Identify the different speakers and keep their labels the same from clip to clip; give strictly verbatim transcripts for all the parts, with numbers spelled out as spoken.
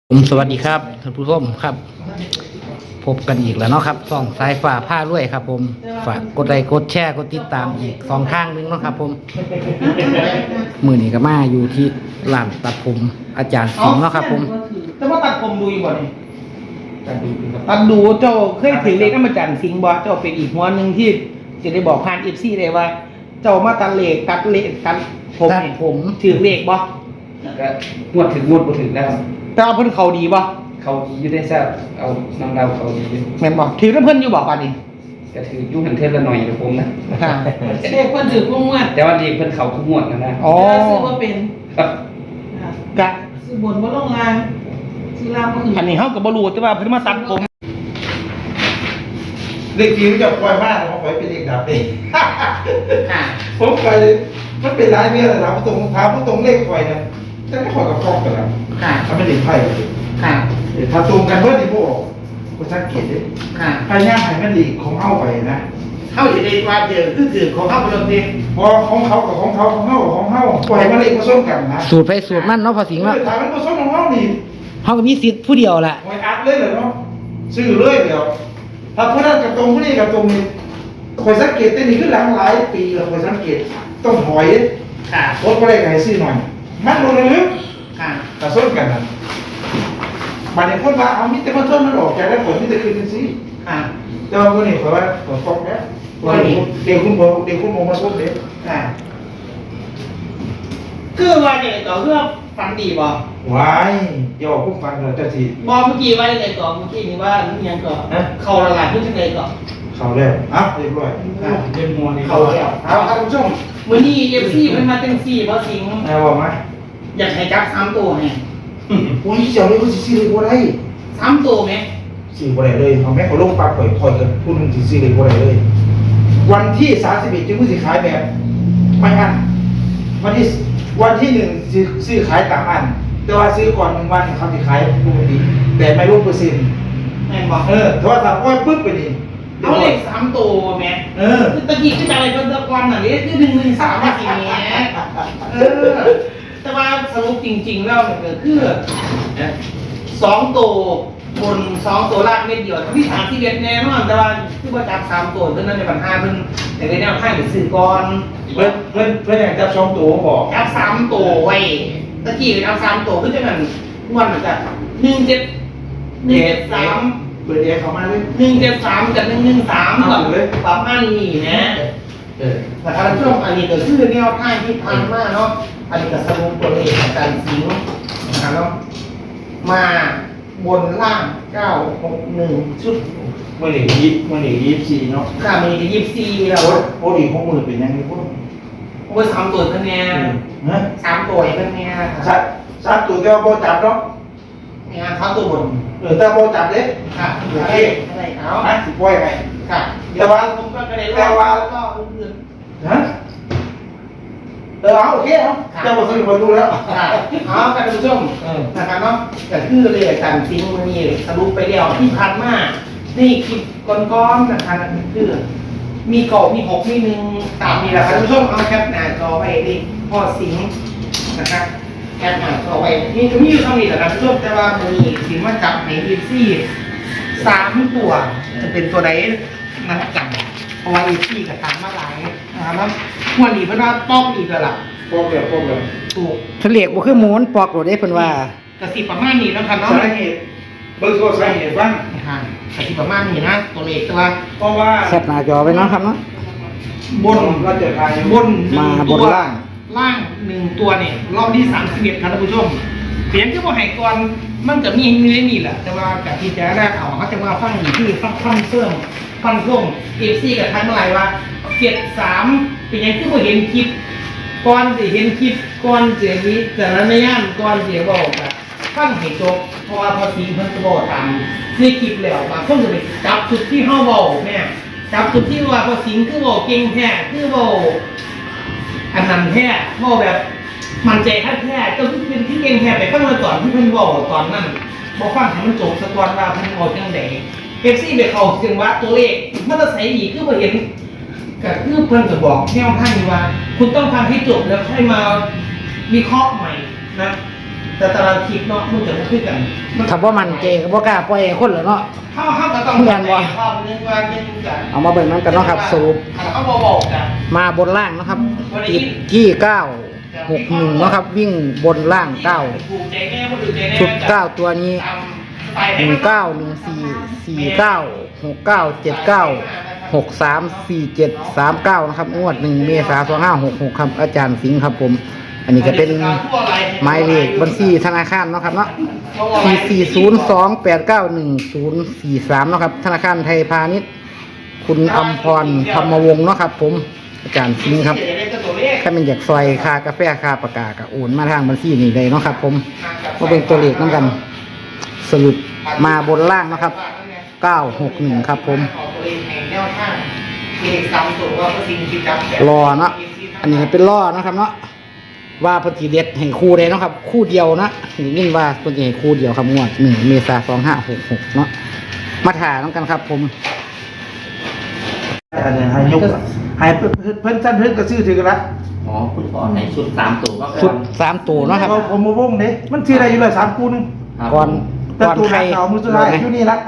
Speaker 1: ผมสวัสดีครับท่านผู้ชมครับ พบกันอีกแล้วเนาะครับส่องสายฝ่าผ้าด้วยครับ ผมฝากกดไลค์กดแชร์กดติดตามอีกสองทางนึงเนาะครับ ผมมือนี้ก็มาอยู่ที่ร้านตัดผมอาจารย์สิงห์เนาะครับ ผม
Speaker 2: แต่ว่าตัดผมดูอยู่บ่นี่ตัดดูเจ้าเคยถือเลขน้ำมาจันสิงห์บ่เจ้าเป็นอีกหัวหนึ่งที่จะได้บอกผ่านเอฟซีเลยว่า เจ้ามาตัดเลขตัดเลขตัดผม
Speaker 1: ตัด
Speaker 2: นี่
Speaker 1: ผม
Speaker 2: ถือเลขบ่
Speaker 3: ก็งวดถึงงวดบ่ถึงแล้ว
Speaker 2: แต่ว่าเพิ่นเขาดีบ่
Speaker 3: เขาดีอยู่ได้ทราบเอานำเราเขาดีอยู่
Speaker 2: แม่นบ่ถือน้ำเพิ่นอยู่บ่ป่านนี้
Speaker 3: ก็ถือยุ่งหันเทศละหน่อยนะผมนะ
Speaker 2: ค่ะ
Speaker 4: เลขเพิ่นถือพวกงวด
Speaker 3: แต่ว่าดีเพิ่นเขาทุกงวดนะนะ
Speaker 2: อ๋อ
Speaker 4: แต่ซื้อว่าเป็น
Speaker 3: ครับ
Speaker 2: กะ
Speaker 4: ซื้อบนบ่ลงล่างซื้อล่างก็คือ
Speaker 2: อันนี้เฮาก็บ่รู้แต่ว่าเพิ่นมาตัดผม
Speaker 5: เลขที่จะปล่อยมากผมปล่อยเป็นเลขดับเอง
Speaker 2: ค่ะ
Speaker 5: ผมปล่อยมันเป็นหลายเรื่องเลยถามผู้ตรงถามผู้ตรงเลขปล่อยเนี่ยจะไม่ปล่อยกับกล้องกันแล้ว
Speaker 2: ค่ะ
Speaker 5: ถ้าไม่เลขไพ่
Speaker 2: ค่ะ
Speaker 5: ถ้าตรงกันเพื่อนที่พวกคุณสังเกตดิ
Speaker 2: ค่ะ
Speaker 5: พยายามให้มันดีของเอาไปนะ
Speaker 2: เฮาสิได้ว่าเจอคือถือของเฮาบ่ลงดิ
Speaker 5: พอของเขากับของเขาของเขากับของเขาปล่อยมันเลขผสมกันนะ
Speaker 1: สูตรไปสูตรมันเนาะพอสิงห์เนาะ
Speaker 5: ถามมันผสมของเขานี่
Speaker 1: เขาก็มีสิทธิ์ผู้เดียวแหละ
Speaker 5: หวยอัดเลยเหรอเนาะซื้อเลยเดี๋ยวถ้าผู้นั้นกับตรงผู้นี้กับตรงนี้คอยสังเกตแต่นี่คือหลังหลายปีแล้วคอยสังเกตต้องหอย
Speaker 2: ค่ะ
Speaker 5: รถก็ได้ไงซื้อหน่อย มันลงเลยลึก
Speaker 2: ค่ะ
Speaker 5: กระส้นกันนะบาดเจ็บคนว่าเอามิตรมาส้นมันออกจากแล้วผลมิตรคืนกันสิ
Speaker 2: ค่ะ
Speaker 5: แต่ว่าคนนี้เขาว่าขอฟ้องแล้วเด็กคุณบอกเด็กคุณมองมาส้นเด็ก
Speaker 2: ค่ะคือว่าเนี่ยก็เพื่อฟันดีบ่
Speaker 5: วายอย่าบอกพวกฟังเลยเจ้าที
Speaker 2: บอเมื่อกี้ว่าอะไรก่อนเมื่อกี้นี่ว่ายังก่อน
Speaker 5: ฮะ
Speaker 2: เขาละลายขึ้นจังไดก่อน
Speaker 5: เขาแล้วอ่ะเรียบร้อย
Speaker 3: เล่นมัวนี่
Speaker 5: เขาแล้วเอาท่านผู้ชม
Speaker 2: มื้อนี้ เอฟ ซี เพิ่นมาจังซี่บ่สิง
Speaker 5: นายบอกไหม
Speaker 2: อยากให้จับสามตัวให้
Speaker 5: โอ้ยเจ้าเลยเขาสิซื้อเลยบ่ได้
Speaker 2: สามตัวไหม
Speaker 5: ซื้อบ่ได้เลยเอาแม่เขาลงปากข่อยคอยกันพูดนึงสิซื้อเลยบ่ได้เลย วันที่สามสิบเอ็ดจึงมือสิขายแบบไม่อันวันที่วันที่หนึ่งซื้อซื้อขายตามอัน แต่ว่าซื้อก่อนหนึ่งวันเขาสิขายปกติแต่ไม่รู้เปอร์เซ็นต์
Speaker 2: แม่นบ่
Speaker 5: เออแต่ว่าถ้าปล่อยปุ๊บไปนี่
Speaker 2: เอาเลขสามตัวแม่
Speaker 5: เออ
Speaker 2: คือตะกี้คือจะอะไรเพิ่นตะกอนน่ะนี่คือหนึ่งหนึ่งสามว่าสิแหมเออแต่ว่าสรุปจริง ๆ แล้วเนี่ยก็คือสองตัวบนสองตัวล่างเม็ดเดียวที่สามที่เด็ดแน่นอนแต่ว่าคือว่าจับสามตัวเพิ่นนั่นในปัญหาเพิ่นแต่ในแนวทางไปซื้อก่อน
Speaker 5: เพื่อนเพื่อนเพื่อนอยากจับสองตัวบอก
Speaker 2: จับสามตัวไว้ตะกี้จับสามตัวคือจังนั้นม่วนมันจะหนึ่งเจ็ดหนึ่งเจ็ดสาม
Speaker 5: เปิดแอร์เข้ามาเลย
Speaker 2: หนึ่งเจ็ดสามกับหนึ่งหนึ่งสามก่อนประมาณนี้นะ
Speaker 5: เออ
Speaker 2: แต่ถ้าช่วงอันนี้ก็คือแนวทางที่ผ่านมาเนาะอันนี้ก็สรุปตัวเลขอาจารย์สิงห์นะครับเนาะมาบนล่างเก้าหกหนึ่งชุด
Speaker 5: เมื่อไหร่ยี่เมื่อไหร่ยี่สิบสี่เนาะ
Speaker 2: ค่ามียี่สิบสี่แล้ว
Speaker 5: โอ้โอ้ดีหกหมื่นเป็นยังไงพวก
Speaker 2: โอ้ยสามตัวคะแนน
Speaker 5: ฮะ
Speaker 2: สามตัวคะแนน
Speaker 5: สัตว์สัตว์ตัวเดียวโบจับเนาะ
Speaker 2: งานเขาตัวบน
Speaker 5: เออแต่โบจับเด้
Speaker 2: ค่ะอะไรอะไรเอา
Speaker 5: นะสิปล่อยไป
Speaker 2: ค่ะ
Speaker 5: แต่ว่า
Speaker 2: ผมก็กระเด็น
Speaker 5: แต่ว่า
Speaker 2: ก็อื่น
Speaker 5: ฮะเออเอาโอเคเอาเจ้าบทสรุปมาดูแล้ว
Speaker 2: ๆค่ะเอาท่านผู้ชม
Speaker 5: เออ
Speaker 2: นะครับเนาะก็คือเลยอาจารย์ซิงห์วันนี้สรุปไปแล้วที่ผ่านมานี่คลิปก้อนๆนะครับคือมีเกาะมีหกมีหนึ่งตามนี้แหละครับท่านผู้ชมเอาแคปหน้าจอไว้ดิพ่อสิงห์นะครับแคปหน้าจอไว้นี่จะมีอยู่เท่านี้แหละครับท่านผู้ชมแต่ว่ามันมีสิงมาจับในอีซี่สามตัวจะเป็นตัวใดนะครับจับเพราะว่าอีซี่กับตามมาหลายนะครับแล้วหัวหนีเพิ่นว่าป้องอีกแล้วล่ะ
Speaker 5: พวกเดียวพวกเดียว
Speaker 2: ถูก
Speaker 1: ทะเลกบ่คือหมูนปอกโหลดได้เพิ่นว่า
Speaker 2: กระสิประมาณนี้แล้วครับเนาะ
Speaker 5: สาเหตุเบิกโทษสาเหตุบ้าง
Speaker 2: ค่ะกระสิประมาณนี้นะตัวเลขตัว
Speaker 5: เพราะว่า
Speaker 1: แคปหน้าจอไว้เนาะครับเนาะ
Speaker 2: บน
Speaker 5: เราจะทาย
Speaker 2: บนหนึ่ง
Speaker 1: มาบน
Speaker 2: ตัว
Speaker 1: ล่าง
Speaker 2: ล่างหนึ่งตัวเนี่ยรอบที่สามสิบเอ็ดครับท่านผู้ชมเสียงที่ว่าไห้ก่อนมันจะมีอยู่ในนี่แหละแต่ว่ากับที่จะแรกเอาเขาจะมาฟังอยู่ที่ฟังฟังเสื่อมฟังส่งเอฟซีกับท่านเมื่อไหร่ว่าเจ็ดสามเป็นยังที่ผมเห็นคลิปก่อนจะเห็นคลิปก่อนเสียงนี้แต่ละในย่านก่อนเสียงบอกอะฟังให้จบเพราะว่าพอสีเพิ่นจะบอกตามในคลิปแล้วบางคนจะไปจับจุดที่เฮาบอกแม่จับจุดที่ว่าพอสิงคือบอกเก่งแท้คือบอก อันนั้นแท้พ่อแบบมันใจแท้แท้เจ้าที่เป็นที่เก่งแท้ไปฟังมาก่อนที่เพิ่นบอกตอนนั้นบอกฟังให้มันจบสักวันว่าเพิ่นบอกจังไดเอฟซีไปเข้าถึงว่าตัวเลขมันจะใส่อีกคือบ่เห็นก็คือเพิ่นก็บอกแนวทางว่า คุณต้องฟังให้จบแล้วค่อยมาวิเคราะห์ใหม่นะแต่ตารางคลิปเนาะมันจะไม่ขึ้นกัน
Speaker 1: ถ้าบ่มันเจก็บ่กล้าปล่อยให้คนเหรอเนาะ
Speaker 2: เข้าเข้าก็ต้อง
Speaker 1: แม่นบ่
Speaker 2: เข้าเรื่องว่าเป็นกัน
Speaker 1: เอามาเบิ่งนั้นกันเนาะครับสรุป
Speaker 2: เขาบอกบอกกัน
Speaker 1: มาบนล่างนะครับติดที่เก้าหกหนึ่งเนาะครับ วิ่งบนล่างเก้า
Speaker 2: ถูกใจแน่คนอื่นใจแน่
Speaker 1: ชุดเก้าตัวนี้
Speaker 2: ตามสไตล์
Speaker 1: หนึ่งเก้าหนึ่งสี่สี่เก้าหกเก้าเจ็ดเก้าหกสามสี่เจ็ดสามเก้านะครับงวดหนึ่งเมษายนสองห้าหกหกครับอาจารย์สิงห์ครับผม อันนี้ก็เป็นหมายเลขบัญชีธนาคารเนาะครับเนาะสี่สี่ศูนย์สองแปดเก้าหนึ่งศูนย์สี่สามเนาะครับธนาคารไทยพาณิชย์คุณอมพรธรรมวงศ์เนาะครับ ผมอาจารย์สิงห์ครับถ้าเป็นอยากซอยค่ากาแฟค่าปากกาก็โอนมาทางบัญชีนี้เลยเนาะครับผมมาเป็นตัวเลขน้ำกัน สรุปมาบนล่างนะครับเก้าหกหนึ่งครับผม รอเนาะอันนี้เป็นล่อนะครับเนาะว่าเพจิเด็ดให้คู่เลยเนาะครับ คู่เดียวนะนี่ยินว่าเพจิให้คู่เดียวครับงวดหนึ่งเมษายนสองห้าหกหกเนาะมาถ่ายน้องกันครับ ผม
Speaker 5: อันนี้ให้ยกให้เพิ่นเพิ่นท่านเพิ่นก็ซื้อถือกันละ
Speaker 6: อ๋อคุณขอในชุดสามตัวก็
Speaker 1: ชุดสามตัวเนาะครับ
Speaker 5: ผมผมมาวงเด้มันซื้อได้อยู่เลยสามคู่หนึง
Speaker 1: ก่อน
Speaker 5: แต่
Speaker 1: ก่อน
Speaker 5: ตัว
Speaker 1: ใคร
Speaker 5: หาเก่ามือสุดท้ายอยู่นี่ละ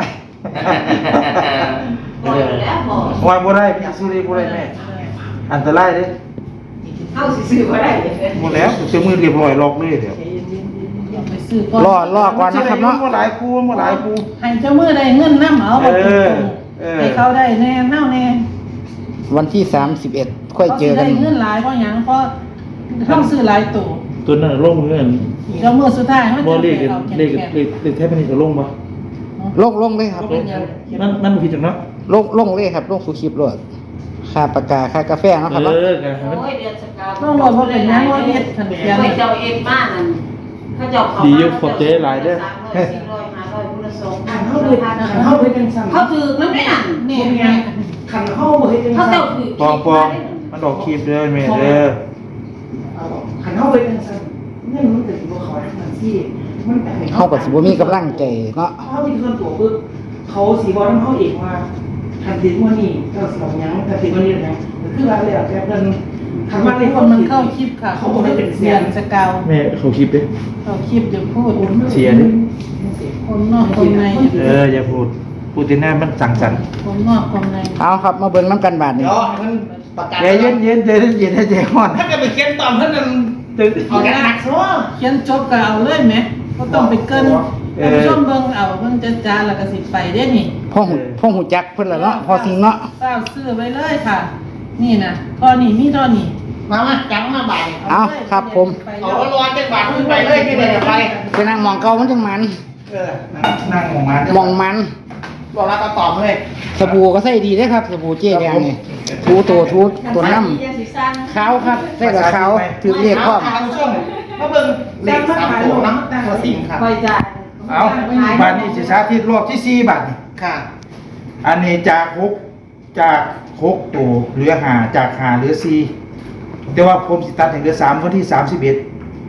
Speaker 4: บอกแล้วบอก
Speaker 5: วางบ่ได้พี่ซื้อได้บ่ได้แม่อันตรายเด้
Speaker 4: เข้าสิซื้อบ่ได้
Speaker 5: หมดแล้วเจอมือเรียบร้อยล็อกเลยเดี๋ยว
Speaker 4: ไปซื้อก่อน
Speaker 1: ล่อล่อก่อนนะครับเนาะ
Speaker 5: บ่หลายคู่บ่หลายคู่
Speaker 4: ให้เจ้ามือได้เงินน้ำเอาบ่
Speaker 5: เอ
Speaker 4: ถูก
Speaker 5: อเออ
Speaker 4: ให้เขาได้แน่เน่าแน่
Speaker 1: วันที่สามสิบเอ็ดค่อยเจอกัน
Speaker 4: ขาสิได้เงินหลายเพราะหยังเพราะต้องซื้อหลายตัว
Speaker 7: ตัวนั้นลงเงิน
Speaker 4: เจ้ามือสุดท้ายเขา
Speaker 7: บ่
Speaker 4: จะ
Speaker 7: เล
Speaker 4: ไป
Speaker 7: ข
Speaker 4: เอา
Speaker 7: เลข
Speaker 4: แก่
Speaker 7: เลขเลขแทบไม่ได้จะลงบ่
Speaker 1: ลงลงเลยครับ
Speaker 7: นั่นนั่นมันผิดจังเนาะ
Speaker 1: ลงลงเลยครับลงสู่คลิปรถค่าปากกาค่ากาแฟเนาะครับ
Speaker 7: เอ
Speaker 1: เนาะ
Speaker 7: อกันให้มัน
Speaker 8: โอ้ยเดือนสกาว
Speaker 4: ต้องรอเพราะเป็นหยังว่าเฮ็ดทันเดียว
Speaker 8: ไป
Speaker 4: นี่
Speaker 8: เจ้าเอ็มบ้านนั่นเขาเจ้าเขา
Speaker 7: ดีอยู่ขอบใจหลายเด้อ
Speaker 8: สามร้อยสี่ร้อยห้าร้อยพุทธสงฆ์
Speaker 2: เข้าไปเข้าไปเป็นสั่ง
Speaker 8: เขาถือน้ำไม่นั่น
Speaker 4: นี่
Speaker 2: เนี่ยขันเข้าไปเป็น
Speaker 8: เขา
Speaker 2: สั่ง
Speaker 8: เจ้าถือ
Speaker 5: ปองปองมันออกคลิปเด้อแม่เด้อ
Speaker 2: ขันเข้าไปเป็นสั่งเนี่ยมันเป็นตัวเขาทั้งนั้นที่มันแต่
Speaker 1: เขากับสิบมีกำลังใจเนาะ
Speaker 2: เขาเป็นคนตัวปึ๊บเขาสีบอลเขาเองว่าทันทีว่านี่เจ้าสองยังทันทีว่านี่ยังคือว่าเลยแบบเป็นคำว่าใน
Speaker 4: มี
Speaker 2: ค
Speaker 4: คน
Speaker 2: น
Speaker 4: มั
Speaker 2: มัน น
Speaker 4: เข้า
Speaker 2: เข้า
Speaker 4: คลิปค่ะ
Speaker 2: เขาบอกให้เป็นเสี
Speaker 4: เสี
Speaker 2: ย
Speaker 4: ย
Speaker 2: ง
Speaker 4: งสกาว
Speaker 7: แม่เขาคลิปดิ
Speaker 4: เข้าคลิปจะพูด
Speaker 7: เสียดิ
Speaker 4: คนนอกคนใน
Speaker 5: เอออย่าพูดพูดที่หน้ามันสั่งสั่น
Speaker 4: คนนอกคนใน
Speaker 1: เอาครับมาเบิ่งน้ำกันบาทนี่
Speaker 2: เดี๋ยวมันประกาศ
Speaker 5: ใจเย็นเย็นใจเย็นเย็นให้ใจห้อน
Speaker 2: ถ้าเกิดไปเขียนตอมเพื่อนมันตึงเอาหนักซะ
Speaker 4: เขียนจบก็เอาเลยไหมก็ต้องไปเกินท่านผู้ชมเบิ่งเอาเบิ่งจะจาแล้วก็สิไปได้นี่
Speaker 1: พ่อหูพ่อหูจักเพิ่นละเนาะพอสิงเนาะ
Speaker 4: เป้าซื้อไว้เลยค่ะ นี่นะทอนี่มีทอนี่
Speaker 2: มามาจังมาบ่าย
Speaker 1: เอาครับผม
Speaker 2: เอาร้อนๆจังบาทขึ้นไปเลยที่ไหนไป
Speaker 1: ไปนั่งมองเก่ามันจังมัน
Speaker 2: เออ
Speaker 5: นั่งมองมัน
Speaker 1: มองมัน
Speaker 2: บอกแล้วก็ตอบเลย
Speaker 1: สบู่ก็ใส่ดีเด้อครับ สบู่เจ๊แดงนี่ทูตัวทูตัวน้ำขาวครับใส่กับขาวถือเรียกพร้อม
Speaker 2: ทางช่วงมาเบิ่งเลขสามโถน้ำตั้งหัวสิงครับ
Speaker 8: คอยจ่าย
Speaker 5: เอาบาทนี้สิสาธิตรอบที่สี่บาทนี่
Speaker 2: ค่ะ
Speaker 5: อันนี้จากหกจากหกตัวเหลือหาจากหาเหลือสี่แต่ว่าผมสิตัดให้เหลือสามวันที่สามสิบเอ็ด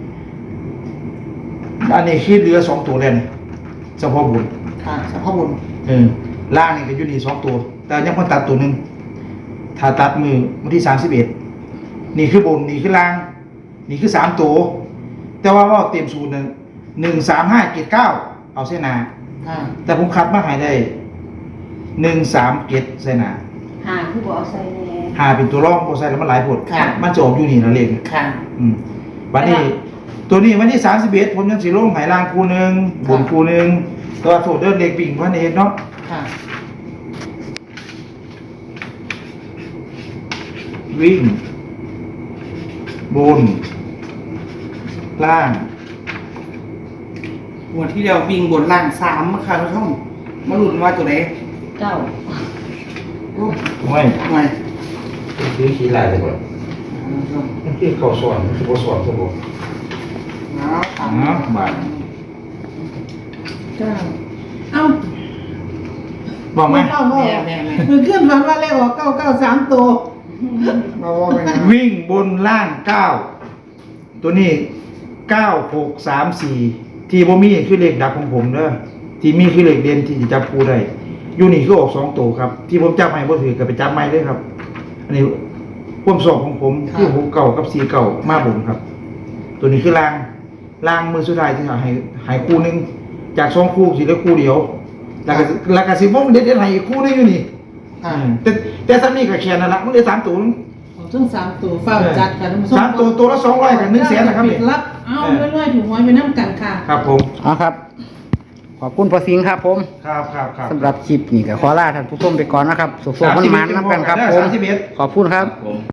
Speaker 5: อันนี้คือเหลือสองตัวเลยนี่เฉพาะบุญ
Speaker 2: ค่ะเฉพาะบุญ
Speaker 5: เออล่างนี่ก็อยู่นี่สองตัว แต่ยังพอตัดตัวหนึ่งถ้าตัดมือวันที่สามสิบเอ็ดนี่คือบนนี่คือล่าง นี่คือสามตัว แต่ว่าว่าเต็มสูตรหนึ่งหนึ่งสามห้าเจ็ดเก้าเอาเส้นหนา
Speaker 2: ค่ะ
Speaker 5: แต่ผมคัดมาให้ได้หนึ่งสามเจ็ดเส้นหนา
Speaker 8: หาคือบอกเอาใส่แน่
Speaker 5: หาเป็นตัวร่องโปรไซแล้วมันหลายผลมันจะออกอยู่นี่นะเลข
Speaker 2: ค่ะ
Speaker 5: อืมวันนี้ ตัวนี้วันที่สามสิบเอ็ดผมยังสีลงไหล่างคูหนึ่งบนคูหนึ่งตัวโซเดินเล็กปิ่งพันเอ็ดเนาะ
Speaker 2: ค่ะ
Speaker 5: วิ่ง บน ล่าง
Speaker 2: หัวที่เดียววิ่งบนล่างสามค่ะทุกท่านมาหลุดว่าตัวไหน
Speaker 8: เจ้า
Speaker 5: ไม่
Speaker 2: ไง
Speaker 5: คือขี้ลายเลยก่อนมันคือเขาสอนคือเขาสอนสมบูรณ์
Speaker 2: เอา
Speaker 5: อ๋อบาท
Speaker 2: เก้า
Speaker 4: เอ้า
Speaker 5: บอกไหม
Speaker 4: เก้าโม
Speaker 2: แม่แม่แม่
Speaker 4: มือขึ้นฝันว่าเลขออกเก้าเก้าสามตัว
Speaker 2: เราว่าเป็นไง
Speaker 5: วิ่งบนล่างเก้าตัวนี้เก้าหกสามสี่ที่บ่มีคือเลขดับของผมเด้อที่มีคือเลขเด่นที่จะจับคู่ได้อยู่นี่คือออกสองตัวครับ ที่ผมจับให้บ่ถือก็ไปจับไม่เลยครับ อันนี้ความสอบของผมคือหกเก่ากับสี่เก่ามาบนครับ ตัวนี้คือล่างล่างมือสุดท้ายที่ให้ให้คู่หนึงจากสองคู่สิเหลือคู่เดียวแล้วก็แล้วก็สิบ่เด็ดเด็ดให้อีกคู่หนึงอยู่นี่
Speaker 2: อ่า
Speaker 5: แต่แต่ซ้ำนี่ก็แค่นั้นละมันได้สามตัวนึง
Speaker 4: เอาทั้งสามตัวเฝ้าจัดกันท่านผู้ชม
Speaker 5: สามตัวตัวละสองร้อยกับหนึ่งแสนนะครับ
Speaker 4: ปิดรับเอาเรื่อยๆถูกหวยไปน้ำกันค่ะ
Speaker 5: ครับผม
Speaker 1: เอาครับ ขอบคุณพอสิงห์ครับผม
Speaker 5: ครับครับครับ
Speaker 1: สำหรับคลิปนี้ก็ขอลาท่านผู้ชมไปก่อนนะครับสุขๆมันๆน้ำกันครับผม
Speaker 5: สามสิบเอ็ด
Speaker 1: ขอบคุณครับ
Speaker 6: ผม